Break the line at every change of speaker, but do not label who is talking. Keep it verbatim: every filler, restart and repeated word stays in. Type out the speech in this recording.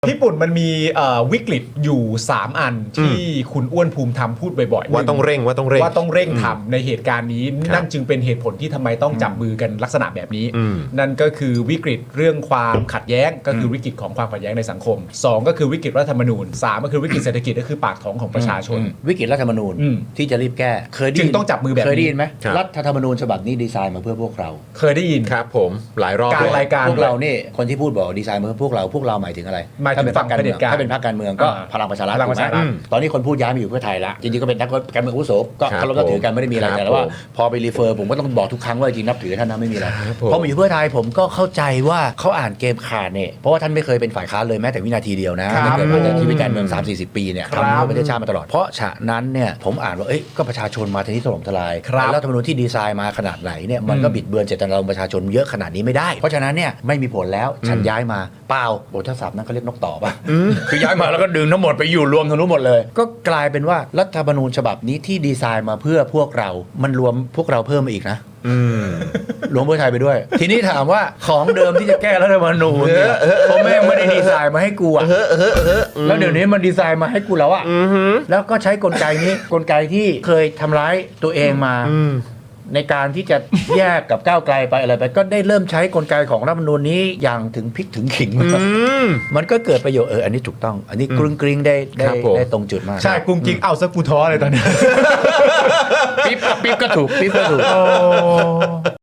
ญี่ปุ่นมันมีวิกฤตอยู่สามอันที่คุณอ้วนภูมิธรรมพูดบ่อยๆ
ว่าต้องเร่งว่าต้องเร่ง
ว่าต้องเร่งทำในเหตุการณ์นี้นั่นจึงเป็นเหตุผลที่ทำไมต้องจับมือกันลักษณะแบบนี้นั่นก็คือวิกฤตเรื่องความขัดแย้งก็คือวิกฤตของความขัดแย้งในสังคมสองก็คือวิกฤตรัฐธรรมนูญสามก็คือวิกฤตเศรษฐกิจก็คือปากท้องของประชาชน
วิกฤตรัฐธรรมนูญที่จะรีบแก้เคยได้
จึงต้องจับมือแบบนี้
เคยได้ยินไหมรัฐธรรมนูญฉบับนี้ดีไซน์มาเพื่อพวกเรา
เคยได้ยิน
ครับผมหลายรอบ
กลางรายการ
พวกเรานี่คนที่พูดบอกดีไซน์มาเพื่อพวกเราพวกเราหมายถึงอะไร
หมายถึงฝั่งเผด็จการ
ถ้าเป็นพรรคการเมืองก็พลังประชารัฐตอนนี้คนพูดย้ายมาอยู่เพื่อไทยละจริงๆก็เป็นนักการเมืองอาวุโสก็เคารพนับถือกันไม่ได้มีอะไรแต่ว่าพอไปรีเฟอร์ผมก็ต้องบอกทุกครั้งว่าจริงนับถือท่านนะไม่มีอะไรพอมาอยู่เพื่อไทยผมก็เข้าใจว่าเขาอ่านเกมขาดเนี่ยเพราะว่าท่านไม่เคยเป็นฝ่ายค้านเลยแม้แต่วินาทีเดียวนะตั้งแต่เกิดมาในชีวิตการเมือง สามสี่สิบ ปีเนี่ยทำเพื่อประเทศชาติมาตลอดเพราะฉะนั้นเนี่ยผมอ่านว่าเอ้ยก็ประชาชนมาทีนี้ถล่มทลายรัฐธรรมนูญที่ดีไซน์มาขนาดไหนเนี่ยมันก็บิดเบือนเจตนารมณ์ประชาชนเยอะขนาดนี้ไม่ได้เพราะฉะนั้นเนี่ยไม่มีผลแล้วฉันย้ายมาเปล่าบทศัพท์นั้นเขาเรียกนกต่อป่ะคือย้ายมาแล้วก็ดึงทั้งหมดไปอยู่รวมทั้งนู้นหมดเลยก็กลายเป็นว่ารัฐธรรมนูญฉบับนี้ที่ดีไซน์มาเพื่อพวกเรามันรวมพวกเราเพิ่มมาอีกนะรวมเพื่อไทยไปด้วยทีนี้ถามว่าของเดิมที่จะแก้รัฐธรรมนูญเนี่ยเขาแม่งไม่ได้ดีไซน์มาให้กูอ่ะแล้วเดี๋ยวนี้มันดีไซน์มาให้กูแล้วอ่ะแล้วก็ใช้กลไกนี้กลไกที่เคยทำร้ายตัวเองมาในการที่จะแยกกับก้าวไกลไปอะไรไปก็ได้เริ่มใช้กลไกของรัฐธรรมนูญนี้อย่างถึงพริกถึงขิงมันก็เกิดประโยชน์เอออันนี้ถูกต้องอันนี้กรุงกริงได้ได้ได้ตรงจุดมาก
ใช่กรุงกริงเอาซะกูท้อเลยตอนนี้
ปิ๊บปิ๊บก็ถูกปิ๊บก็ถูก